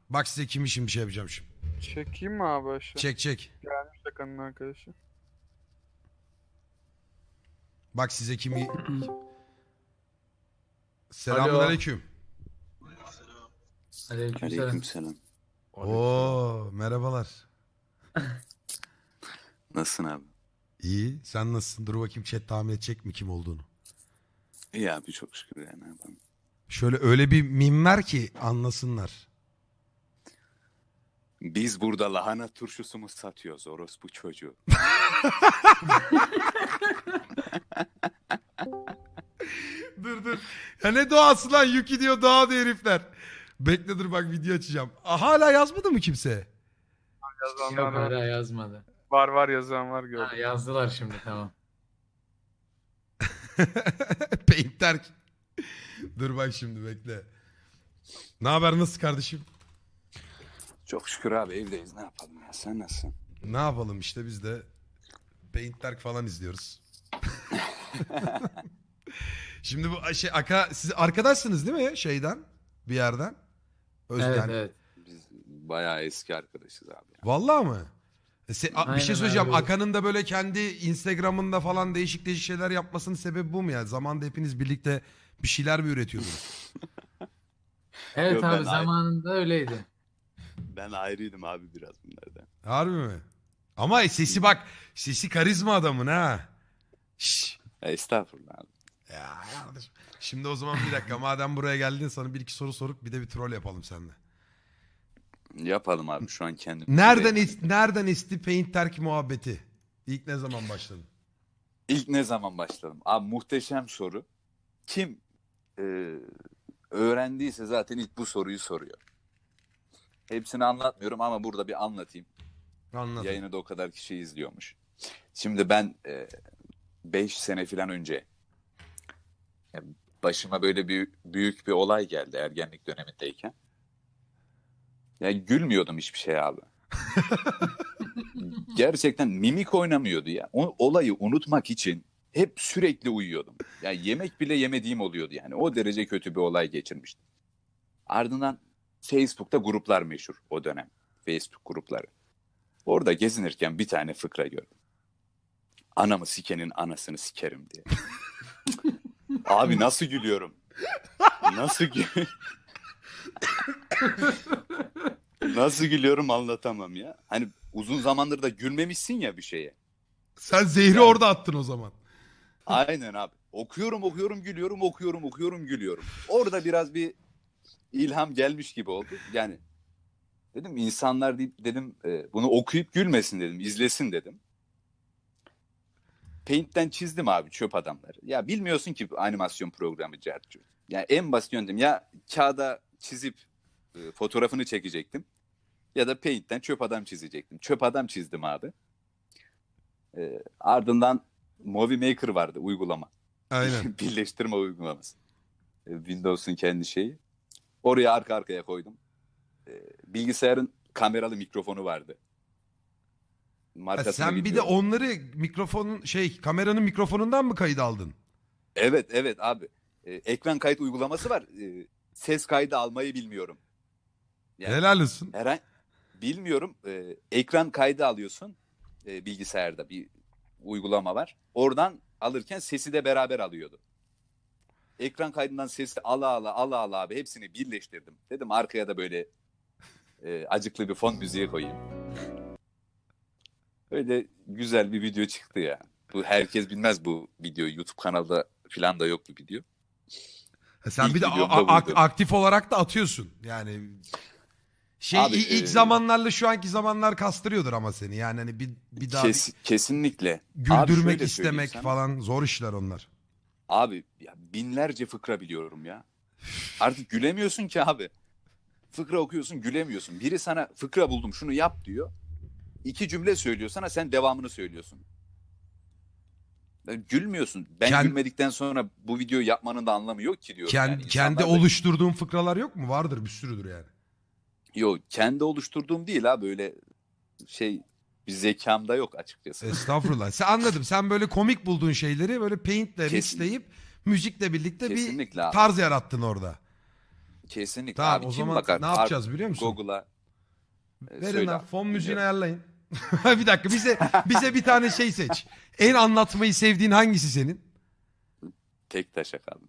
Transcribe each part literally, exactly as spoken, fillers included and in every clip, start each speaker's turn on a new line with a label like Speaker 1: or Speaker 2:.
Speaker 1: Bak size kim için bir şey yapacağım şimdi.
Speaker 2: Çekeyim mi abi aşağı?
Speaker 1: Çek çek.
Speaker 2: Gelmiş Hakan'ın arkadaşı.
Speaker 1: Bak size kimi...
Speaker 3: Alo.
Speaker 1: Selamünaleyküm.
Speaker 3: Aleykümselam.
Speaker 4: Aleykümselam.
Speaker 1: Oo merhabalar.
Speaker 4: Nasılsın abi?
Speaker 1: İyi. Sen nasılsın? Dur bakayım chat tahmin edecek mi kim olduğunu.
Speaker 4: İyi abi çok şükür ya ne yapalım.
Speaker 1: Şöyle öyle bir mim ver ki anlasınlar.
Speaker 4: Biz burada lahana turşusu mu satıyoruz orospu çocuğu?
Speaker 1: Dur dur. Ya ne doğası lan? Yuki diyor doğa diyor herifler. Bekle dur bak video açacağım. Aa, hala yazmadı mı kimse?
Speaker 2: Yazanlar
Speaker 3: Yok
Speaker 2: var.
Speaker 3: hala yazmadı.
Speaker 2: Var var yazan var
Speaker 3: Ha,
Speaker 2: gördüm.
Speaker 3: yazdılar şimdi tamam.
Speaker 1: Painter. Dur bak şimdi bekle. Ne haber nasıl kardeşim?
Speaker 4: Çok şükür abi evdeyiz ne yapalım ya sen nasılsın?
Speaker 1: Ne yapalım işte biz de Painter falan izliyoruz. Şimdi bu şey Aka siz arkadaşsınız değil mi şeyden bir yerden? Öz,
Speaker 3: Evet
Speaker 1: yani-
Speaker 3: evet.
Speaker 4: Biz bayağı eski arkadaşız abi. Ya.
Speaker 1: Vallahi mı? E, se- a- bir
Speaker 3: Aynen
Speaker 1: şey söyleyeceğim.
Speaker 3: abi.
Speaker 1: Akan'ın da böyle kendi Instagram'ında falan değişik değişik şeyler yapmasının sebebi bu mu ya? Zamanda hepiniz birlikte bir şeyler mi üretiyordunuz?
Speaker 3: Evet
Speaker 4: Yok,
Speaker 3: abi
Speaker 4: ben-
Speaker 3: zamanında öyleydi.
Speaker 4: Ben ayrıydım abi biraz bunlardan.
Speaker 1: Harbi mi? Ama sesi bak. Sesi karizma adamın ha. Şşş.
Speaker 4: Ya, estağfurullah abi.
Speaker 1: Ya kardeşim. Şimdi o zaman bir dakika. Madem buraya geldin sana bir iki soru sorup bir de bir troll yapalım seninle.
Speaker 4: Yapalım abi şu an kendim.
Speaker 1: Nereden
Speaker 4: Ve-
Speaker 1: is- nereden esti Paint Terk muhabbeti? İlk ne zaman başladın?
Speaker 4: İlk ne zaman başladım? Abi muhteşem soru. Kim e, öğrendiyse zaten ilk bu soruyu soruyor. Hepsini anlatmıyorum ama burada bir anlatayım.
Speaker 1: Anladım.
Speaker 4: Yayını da o kadar kişi izliyormuş. Şimdi ben beş sene falan önce ya, başıma böyle bir büyük bir olay geldi ergenlik dönemindeyken. Ya gülmüyordum hiçbir şey abi. Gerçekten mimik oynamıyordu ya. O olayı unutmak için hep sürekli uyuyordum. Ya yemek bile yemediğim oluyordu yani. O derece kötü bir olay geçirmiştim. Ardından Facebook'ta gruplar meşhur o dönem. Facebook grupları. Orada gezinirken bir tane fıkra gördüm. Anamı sikenin anasını sikerim diye. Abi nasıl gülüyorum? Nasıl gü- Nasıl gülüyorum anlatamam ya. Hani uzun zamandır da gülmemişsin ya bir şeye.
Speaker 1: Sen zehri
Speaker 4: Yani-
Speaker 1: orada attın o zaman.
Speaker 4: Aynen abi. Okuyorum okuyorum gülüyorum okuyorum okuyorum gülüyorum. Orada biraz bir ilham gelmiş gibi oldu. Yani dedim insanlar deyip dedim e, bunu okuyup gülmesin dedim. İzlesin dedim. Paint'ten çizdim abi çöp adamları. Ya bilmiyorsun ki animasyon programı Cercu. Yani en basit yöntem ya kağıda çizip e, fotoğrafını çekecektim. Ya da Paint'ten çöp adam çizecektim. Çöp adam çizdim abi. E, ardından Movie Maker vardı uygulama.
Speaker 1: Aynen.
Speaker 4: Birleştirme uygulaması. E, Windows'un kendi şeyi. Oraya arka arkaya koydum. E, bilgisayarın kameralı mikrofonu vardı.
Speaker 1: Ha,
Speaker 4: Markasını
Speaker 1: sen bir de
Speaker 4: bilmiyorum.
Speaker 1: onları mikrofonun şey kameranın mikrofonundan mı kayıt aldın?
Speaker 4: Evet evet abi. E, ekran kayıt uygulaması var. E, ses kaydı almayı bilmiyorum. Yani
Speaker 1: Helal olsun.
Speaker 4: herhangi bilmiyorum. E, ekran kaydı alıyorsun. E, bilgisayarda bir uygulama var. Oradan alırken sesi de beraber alıyordu. Ekran kaydından sesi ala ala ala ala abi hepsini birleştirdim. Dedim arkaya da böyle e, acıklı bir fon müziği koyayım. Öyle güzel bir video çıktı ya. Bu herkes bilmez bu videoyu. YouTube kanalda falan da yok bu video.
Speaker 1: Ha, sen
Speaker 4: İlk
Speaker 1: bir de
Speaker 4: videom
Speaker 1: a-
Speaker 4: da
Speaker 1: a-
Speaker 4: buydu.
Speaker 1: aktif olarak da atıyorsun. Yani şey
Speaker 4: Abi,
Speaker 1: i- ilk
Speaker 4: e,
Speaker 1: zamanlarla şu anki zamanlar kastırıyordur ama seni. Yani hani bir bir daha
Speaker 4: Kes, kesinlikle. Abi
Speaker 1: güldürmek
Speaker 4: şöyle söyleyeyim
Speaker 1: istemek
Speaker 4: sana.
Speaker 1: falan zor işler onlar.
Speaker 4: Abi ya binlerce fıkra biliyorum ya. Artık gülemiyorsun ki abi. Fıkra okuyorsun gülemiyorsun. Biri sana fıkra buldum şunu yap diyor. İki cümle söylüyor sana sen devamını söylüyorsun. Yani gülmüyorsun. Ben
Speaker 1: Kend-
Speaker 4: gülmedikten sonra bu videoyu yapmanın da anlamı yok ki diyorum.
Speaker 1: Kend-
Speaker 4: yani.
Speaker 1: kendi
Speaker 4: İnsanlar da-
Speaker 1: oluşturduğun fıkralar yok mu? Vardır bir sürüdür yani.
Speaker 4: Yok kendi oluşturduğum değil ha böyle şey bir zekamda yok açıkçası.
Speaker 1: Estağfurullah. Sen anladım. Sen böyle komik bulduğun şeyleri böyle paintle
Speaker 4: Kesin-
Speaker 1: mixleyip müzikle birlikte
Speaker 4: Kesinlikle
Speaker 1: bir
Speaker 4: abi.
Speaker 1: tarz yarattın orada.
Speaker 4: Kesinlikle.
Speaker 1: Tamam
Speaker 4: abi,
Speaker 1: o
Speaker 4: kim
Speaker 1: zaman
Speaker 4: bakar?
Speaker 1: ne yapacağız biliyor musun?
Speaker 4: Google'a e,
Speaker 1: Verin
Speaker 4: söyle
Speaker 1: lan
Speaker 4: abi,
Speaker 1: fon müziğini
Speaker 4: dinliyorum.
Speaker 1: ayarlayın. Bir dakika bize bize bir tane şey seç. En anlatmayı sevdiğin hangisi senin?
Speaker 4: Tek taşak abi.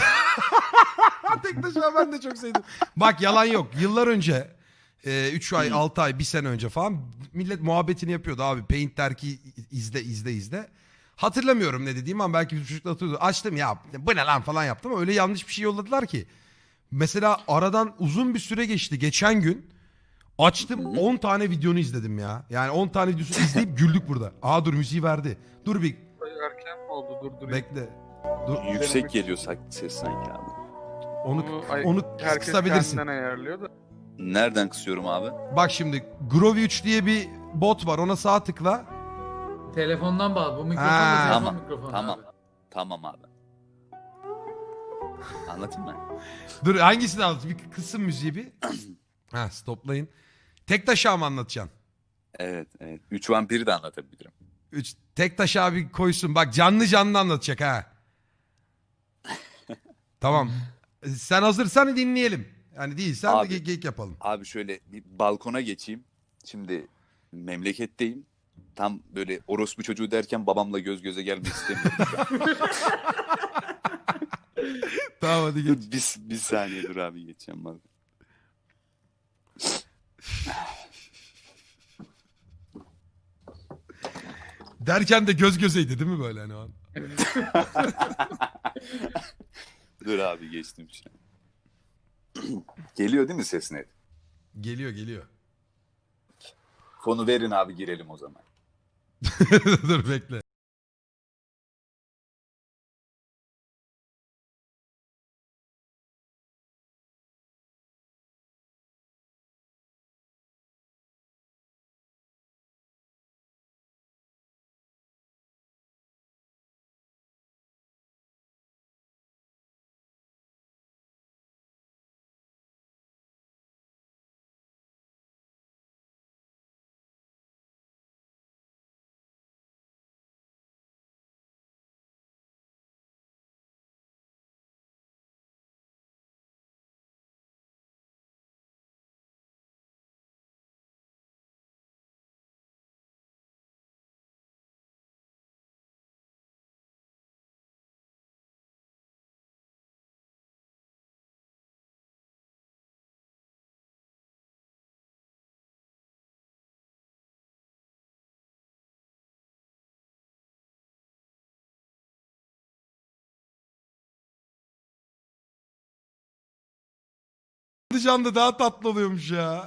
Speaker 1: Tek taşıma ben de çok sevdim. Bak yalan yok. Yıllar önce üç ay
Speaker 4: Hı.
Speaker 1: altı ay bir sene önce falan millet muhabbetini yapıyordu abi. Paint Derki izle izle izle. Hatırlamıyorum ne dediğim ama belki bir çocuk da hatırlıyordu. Açtım ya bu ne lan falan yaptım ama öyle yanlış bir şey yolladılar ki. Mesela aradan uzun bir süre geçti. Geçen gün açtım
Speaker 4: Hı.
Speaker 1: on tane videonu izledim ya. Yani on tane videosunu izleyip güldük burada. Aa dur müziği verdi. Dur bir
Speaker 2: Erken mi oldu? Dur
Speaker 1: bekle. Dur
Speaker 4: Yüksek geliyor sak- ses sanki abi.
Speaker 1: onu
Speaker 2: ay-
Speaker 1: onu
Speaker 2: herkes
Speaker 1: kısabilirsin.
Speaker 2: kendinden ayarlıyor da.
Speaker 4: Nereden kısıyorum abi?
Speaker 1: Bak şimdi Groovy üç diye bir bot var. Ona sağ tıkla.
Speaker 3: Telefondan bağlı. Bu mikrofon
Speaker 1: Ha.
Speaker 3: da telefon
Speaker 4: Tamam,
Speaker 3: mikrofonu
Speaker 4: tamam.
Speaker 3: abi.
Speaker 4: Tamam abi. Anlatayım mı?
Speaker 1: Dur hangisini anlat? Bir kısım müziği bir. ha stoplayın. Tek taşa mı anlatacaksın?
Speaker 4: Evet, evet. Üç vampiri de anlatabilirim.
Speaker 1: Üç, tek taş abi koysun. Bak canlı canlı anlatacak ha. Tamam. Sen hazırsan dinleyelim. Yani değilsen
Speaker 4: Abi.
Speaker 1: de ge- geyik yapalım.
Speaker 4: Abi şöyle bir balkona geçeyim. Şimdi memleketteyim. Tam böyle orospu çocuğu derken babamla göz göze gelmek istemiyorum.
Speaker 1: Tamam hadi geç.
Speaker 4: Dur, bir, bir saniye dur abi geçeceğim bak.
Speaker 1: Derken de göz gözeydi değil mi böyle hani o an?
Speaker 4: Dur abi geçtim şu an. Geliyor değil mi ses net?
Speaker 1: Geliyor geliyor.
Speaker 4: Fonu verin abi girelim o zaman.
Speaker 1: Dur bekle. Canlı daha tatlı oluyormuş ya.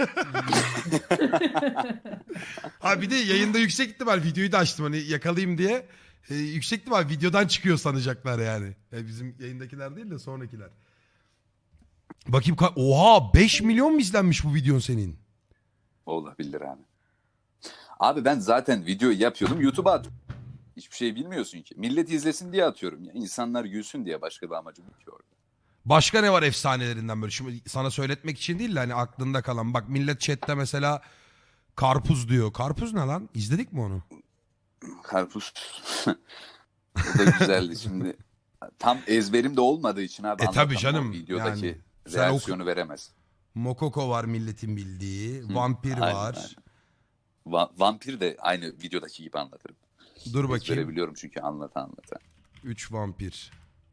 Speaker 1: Ha bir de yayında yüksek ihtimal videoyu da açtım hani yakalayayım diye. Ee, yüksek ihtimal videodan çıkıyor sanacaklar yani. E, bizim yayındakiler değil de sonrakiler. Bakayım ka- oha beş milyon mu izlenmiş bu videon senin?
Speaker 4: Olabilir abi. Abi ben zaten video yapıyordum YouTube'a atıyorum. Hiçbir şey bilmiyorsun ki. Millet izlesin diye atıyorum. Ya. İnsanlar gülsün diye başka bir amacım yok ki orada.
Speaker 1: Başka ne var efsanelerinden böyle? Şimdi sana söyletmek için değil de hani aklında kalan. Bak millet chatte mesela karpuz diyor. Karpuz ne lan? İzledik mi onu?
Speaker 4: Karpuz. O da güzeldi şimdi. Tam ezberim de olmadığı için abi
Speaker 1: E
Speaker 4: anlatamam.
Speaker 1: tabii canım,
Speaker 4: O videodaki
Speaker 1: yani sen
Speaker 4: reaksiyonu veremez.
Speaker 1: Mokoko var milletin bildiği.
Speaker 4: Hı,
Speaker 1: Vampir
Speaker 4: aynen,
Speaker 1: var.
Speaker 4: aynen. Va- vampir de aynı videodaki gibi anlatırım.
Speaker 1: Dur bakayım.
Speaker 4: Ezberebiliyorum çünkü anlata anlata.
Speaker 1: Üç vampir.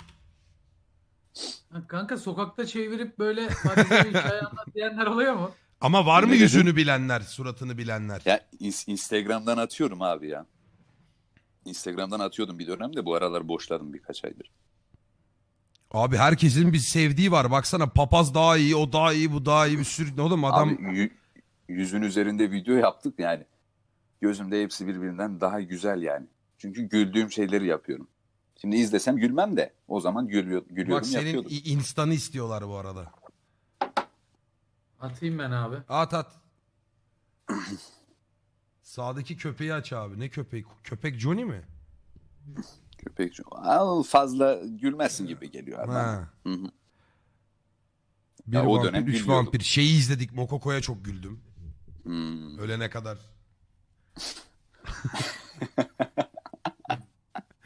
Speaker 3: Ha, kanka sokakta çevirip böyle Paris'e bir hikaye anlat diyenler oluyor mu?
Speaker 1: Ama var mı
Speaker 4: Ne dedin?
Speaker 1: yüzünü bilenler, suratını bilenler?
Speaker 4: Ya ins- Instagram'dan atıyorum abi ya. Instagram'dan atıyordum bir dönemde, bu aralar boşladım birkaç aydır.
Speaker 1: Abi herkesin bir sevdiği var. Baksana papaz daha iyi, o daha iyi, bu daha iyi bir sürü. Oğlum adam
Speaker 4: Abi yü- yüzün üzerinde video yaptık yani. Gözümde hepsi birbirinden daha güzel yani. Çünkü güldüğüm şeyleri yapıyorum. Şimdi izlesem gülmem de o zaman gülüyor, gülüyorum
Speaker 1: bak senin
Speaker 4: yapıyordum.
Speaker 1: i- instanı istiyorlar bu arada.
Speaker 3: Atayım ben abi.
Speaker 1: At at. Sağdaki köpeği aç abi. Ne köpeği? Köpek Johnny mi?
Speaker 4: Köpek Al, fazla gülmezsin gibi geliyor abi.
Speaker 1: Ha.
Speaker 4: Hı hı.
Speaker 1: Bir
Speaker 4: Ya o
Speaker 1: vampir,
Speaker 4: dönem
Speaker 1: üç
Speaker 4: gülüyordum.
Speaker 1: vampir. Şeyi izledik. Mokoko'ya çok güldüm.
Speaker 4: Hmm.
Speaker 1: Ölene kadar.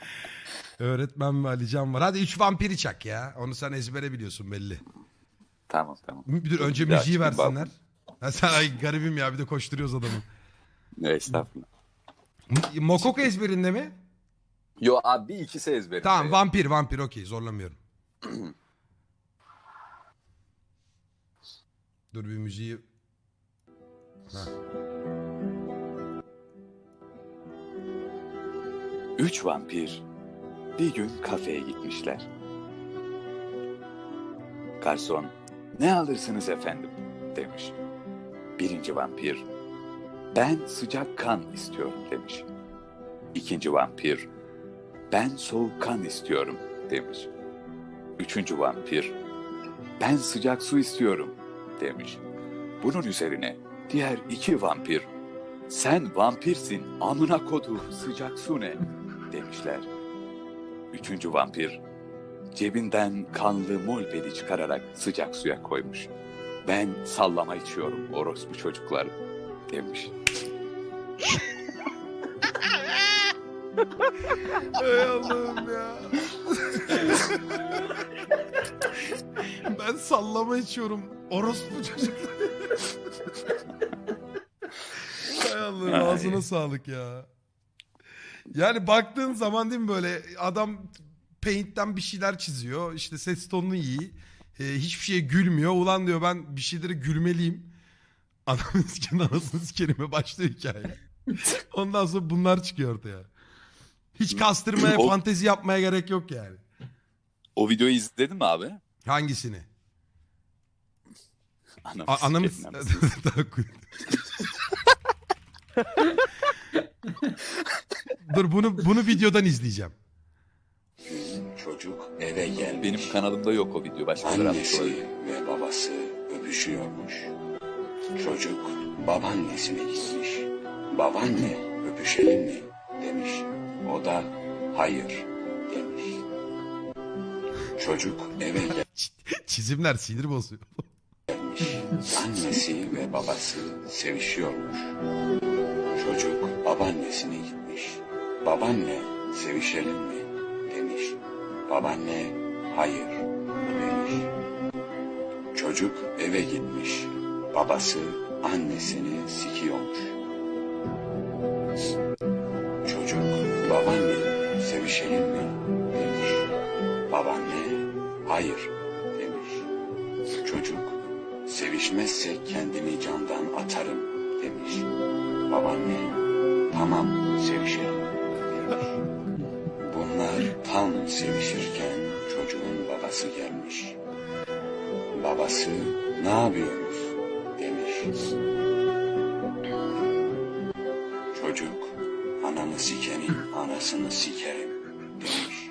Speaker 1: Öğretmen ve Alican var. Hadi üç vampiri çak ya. Onu sen ezbere biliyorsun belli.
Speaker 4: Tamam tamam.
Speaker 1: Dur önce
Speaker 4: Bir daha
Speaker 1: müziği
Speaker 4: çıkayım
Speaker 1: versinler. Ha, sen ay garibim ya bir de koşturuyoruz adamı.
Speaker 4: Ne estağfurullah.
Speaker 1: M- Mokoko ezberinde mi?
Speaker 4: Yo abi bir ikisi ezberimde.
Speaker 1: Tamam
Speaker 4: ya.
Speaker 1: vampir vampir okey zorlamıyorum. Dur bir müziği. Ha.
Speaker 4: Üç vampir bir gün kafeye gitmişler. Garson, ne alırsınız efendim demiş. Birinci vampir, ben sıcak kan istiyorum demiş. İkinci vampir, ben soğuk kan istiyorum demiş. Üçüncü vampir, ben sıcak su istiyorum demiş. Bunun üzerine diğer iki vampir, sen vampirsin amına koduğum sıcak su ne demişler. Üçüncü vampir cebinden kanlı molbedi çıkararak sıcak suya koymuş. Ben sallama içiyorum orospu çocuklar demiş.
Speaker 1: Ey Allah'ım ya. Ben sallama içiyorum. Orospu çocuklar. Hay Allah'ım
Speaker 4: Ay.
Speaker 1: ağzına sağlık ya. Yani baktığın zaman değil mi böyle adam Paint'ten bir şeyler çiziyor. İşte ses tonunu iyi. Ee, hiçbir şeye gülmüyor. Ulan diyor ben bir şeylere gülmeliyim. Adamın sikin anasını sikerime başlıyor hikaye. Ondan sonra bunlar çıkıyor ortaya. Hiç kastırmaya,
Speaker 4: O-
Speaker 1: fantezi yapmaya gerek yok yani.
Speaker 4: O videoyu izledin mi abi?
Speaker 1: Hangisini?
Speaker 4: Anam
Speaker 1: A- anamı...
Speaker 4: sikerim, anasını.
Speaker 1: Dur bunu bunu videodan izleyeceğim.
Speaker 5: Çocuk eve gelmiş.
Speaker 4: Benim kanalımda yok o video. Başkaları atmış
Speaker 5: Annesi
Speaker 4: olabilir.
Speaker 5: ve babası öpüşüyormuş. Çocuk babaannesine gitmiş. Babaanne öpüşelim mi demiş. O da hayır demiş. Çocuk eve
Speaker 1: Çizimler sinir bozuyor.
Speaker 5: gelmiş. Annesi ve babası sevişiyormuş. Çocuk babaannesine gitmiş. Babaanne sevişelim mi demiş. Babaanne hayır demiş. Çocuk eve gitmiş. Babası annesini sikiyormuş. Çocuk babaanne sevişelim mi demiş. Babaanne hayır demiş. Çocuk sevişmezsek kendimi candan atarım demiş. Babaanne tamam sevişelim demiş. Bunlar tam sevişirken çocuğun babası gelmiş. Babası ne yapıyoruz demiş. Çocuk ananı sikenin anasını sikerim demiş.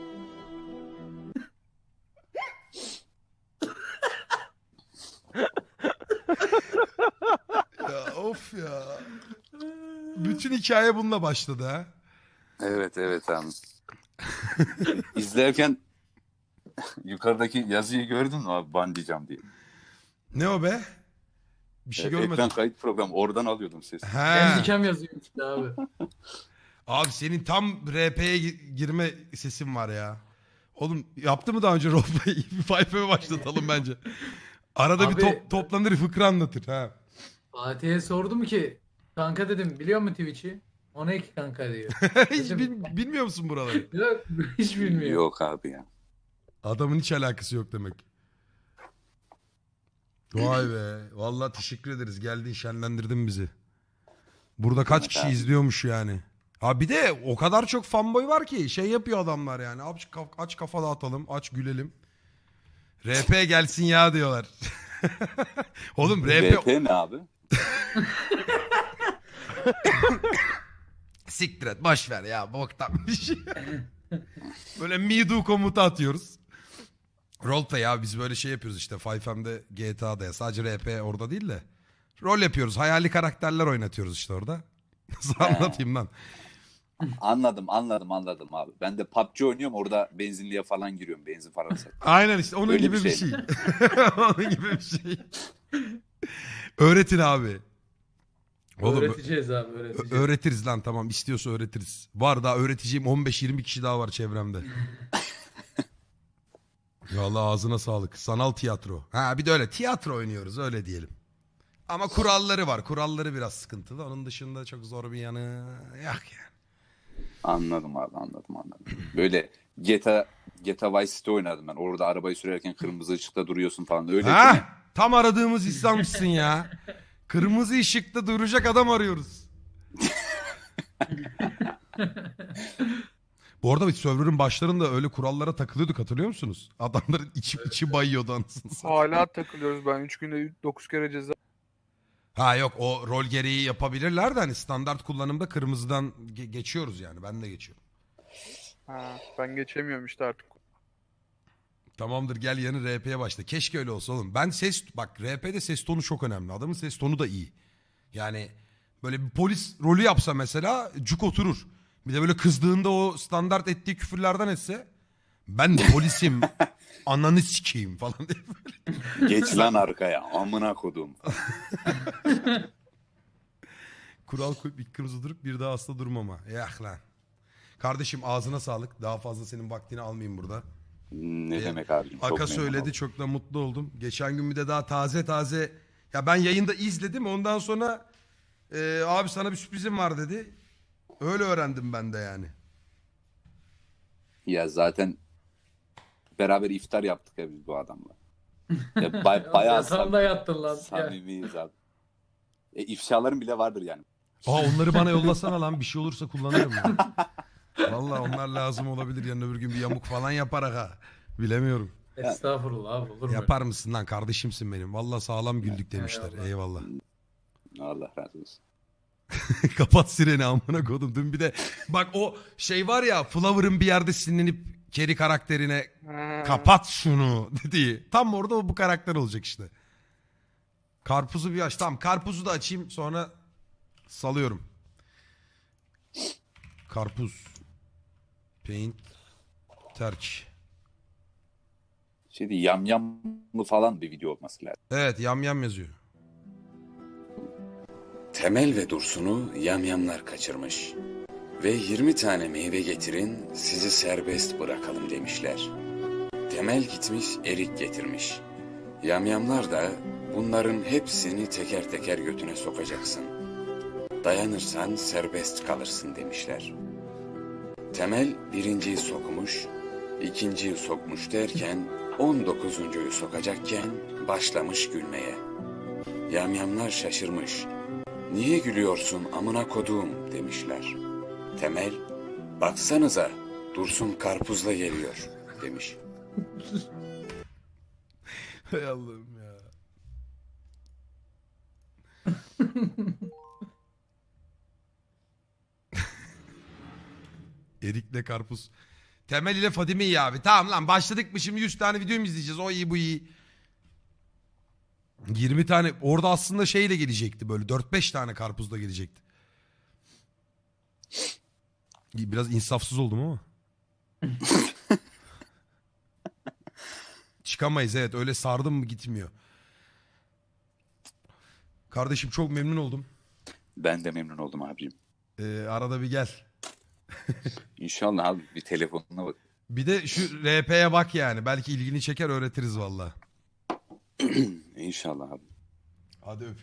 Speaker 1: Ya of ya. Bütün hikaye bununla başladı ha.
Speaker 4: Evet evet abi. İzlerken yukarıdaki yazıyı gördün mü abi bandicam diye.
Speaker 1: Ne o be? Bir şey
Speaker 4: Evet,
Speaker 1: görmedim.
Speaker 4: ekran kayıt programı oradan alıyordum sesi.
Speaker 1: He.
Speaker 3: Handicam yazıyor işte abi.
Speaker 1: Abi senin tam R P'ye gi- girme sesin var ya. Oğlum yaptı mı daha önce roleplay? Bir Fayfa'ya başlatalım bence. Arada bir
Speaker 3: Abi-
Speaker 1: top, toplanır fıkra anlatır. Ha.
Speaker 3: Fatih'e sordum ki kanka dedim biliyor musun Twitch'i? O ne ki kanka diyor.
Speaker 1: Hiç bil- bilmiyor musun buraları?
Speaker 3: Yok hiç bilmiyor.
Speaker 4: Yok abi ya.
Speaker 1: Adamın hiç alakası yok demek. Vay be. Vallahi teşekkür ederiz. Geldin şenlendirdin bizi. Burada kaç
Speaker 4: Evet
Speaker 1: kişi
Speaker 4: abi.
Speaker 1: izliyormuş yani. Ha bir de o kadar çok fanboy var ki şey yapıyor adamlar yani. Aç, kaf- aç kafa dağıtalım, aç gülelim. R P gelsin ya diyorlar. Oğlum R P
Speaker 4: R P ne abi?
Speaker 1: siktir et boş ver ya boktan bir şey. Böyle me do komutu atıyoruz. Roleplay ya biz böyle şey yapıyoruz işte five M'de G T A'da ya sadece R P orada değil de. Rol yapıyoruz hayali karakterler oynatıyoruz işte orada. Nasıl anlatayım lan?
Speaker 4: Anladım anladım anladım abi. Ben de P U B G oynuyorum orada benzinliğe falan giriyorum. Benzin falan sat.
Speaker 1: Aynen işte onun
Speaker 4: Öyle
Speaker 1: gibi
Speaker 4: bir
Speaker 1: bir
Speaker 4: şey
Speaker 1: şey. Onun gibi bir şey. Öğretin abi. Oğlum
Speaker 3: Öğreteceğiz abi öğreteceğiz.
Speaker 1: öğretiriz lan tamam istiyorsa öğretiriz. Var daha öğreteceğim on beş yirmi kişi daha var çevremde. Vallahi ağzına sağlık. Sanal tiyatro. Ha bir de öyle tiyatro oynuyoruz öyle diyelim. Ama kuralları var. Kuralları biraz sıkıntılı. Onun dışında çok zor bir yanı yok yani.
Speaker 4: Anladım abi, anladım anladım. Böyle G T A, G T A Vice City oynadım ben. Orada arabayı sürerken kırmızı ışıkta duruyorsun falan. Öyle değil mi?
Speaker 1: Ha? Tam aradığımız İslam'sın ya. Kırmızı ışıkta duracak adam arıyoruz. Bu arada biz server'ın başlarında öyle kurallara takılıyorduk hatırlıyor musunuz? Adamların içi, içi bayıyordu anasını satayım.
Speaker 2: Hala takılıyoruz ben. üç günde dokuz kere ceza.
Speaker 1: Ha yok o rol gereği yapabilirler de hani standart kullanımda kırmızıdan ge- geçiyoruz yani ben de geçiyorum.
Speaker 2: Ha, ben geçemiyorum işte artık.
Speaker 1: Tamamdır gel yeni R P'ye başla. Keşke öyle olsa oğlum. Ben ses bak R P'de ses tonu çok önemli. Adamın ses tonu da iyi. Yani böyle bir polis rolü yapsa mesela cuk oturur. Bir de böyle kızdığında o standart ettiği küfürlerden etse ben de polisim ananı sikeyim falan diye böyle.
Speaker 4: Geç lan arkaya amına kodum.
Speaker 1: Kural koyup bir kırmızı durup bir daha hasta durmama. Yah lan. Kardeşim ağzına sağlık. Daha fazla senin vaktini almayayım burada.
Speaker 4: Ne
Speaker 1: Ee,
Speaker 4: demek abicim? Çok
Speaker 1: Aka
Speaker 4: memnun
Speaker 1: söyledi
Speaker 4: oldum.
Speaker 1: çok da mutlu oldum. Geçen gün bir de daha taze taze ya ben yayında izledim ondan sonra e, abi sana bir sürprizim var dedi. Öyle öğrendim ben de yani.
Speaker 4: Ya zaten beraber iftar yaptık ya biz bu adamla. Ya bay, bayağı
Speaker 3: Yatağında yattın lan. Ya.
Speaker 4: samimiyiz abi. E, ifşaların bile vardır yani.
Speaker 1: Aa onları bana yollasana lan bir şey olursa kullanırım ya. Vallahi onlar lazım olabilir yarın öbür gün bir yamuk falan yaparak ha. Bilemiyorum.
Speaker 3: Estağfurullah abi olur mu?
Speaker 1: Yapar mısın lan kardeşimsin benim. Vallahi sağlam güldük demişler.
Speaker 3: Eyvallah.
Speaker 1: Eyvallah.
Speaker 4: Allah razı olsun.
Speaker 1: Kapat sireni amına kodum. Dün bir de bak o şey var ya Flower'ın bir yerde sinirlenip Carrie karakterine
Speaker 2: Ha.
Speaker 1: kapat şunu dediği. Tam orada o bu karakter olacak işte. Karpuzu bir aç. Tamam karpuzu da açayım sonra salıyorum. Karpuz. Paint. Terk.
Speaker 4: Şeydi yamyamlı falan bir video olması lazım.
Speaker 1: Evet yam yam yazıyor.
Speaker 5: Temel ve Dursun'u yamyamlar kaçırmış. Ve yirmi tane meyve getirin sizi serbest bırakalım demişler. Temel gitmiş erik getirmiş. Yamyamlar da bunların hepsini teker teker götüne sokacaksın. Dayanırsan serbest kalırsın demişler. Temel birinciyi sokmuş, ikinciyi sokmuş derken on dokuzuncuyu sokacakken başlamış gülmeye. Yamyamlar şaşırmış. Niye gülüyorsun amına koduğum demişler. Temel, baksanıza Dursun karpuzla geliyor demiş.
Speaker 1: Hay Allah'ım ya. Erik'le karpuz. Temel ile Fadime iyi abi. Tamam lan başladık mı şimdi yüz tane video mu izleyeceğiz? O iyi bu iyi. yirmi tane orada aslında şeyle gelecekti böyle dört beş tane karpuzla gelecekti. Biraz insafsız oldum ama. Çıkamayız evet öyle sardım mı gitmiyor. Kardeşim çok memnun oldum.
Speaker 4: Ben de memnun oldum abicim.
Speaker 1: Ee, arada bir gel.
Speaker 4: İnşallah abi bir telefonuna bak.
Speaker 1: Bir de şu R P'ye bak yani. Belki ilgini çeker öğretiriz valla.
Speaker 4: İnşallah abi.
Speaker 1: Hadi öpüyorum.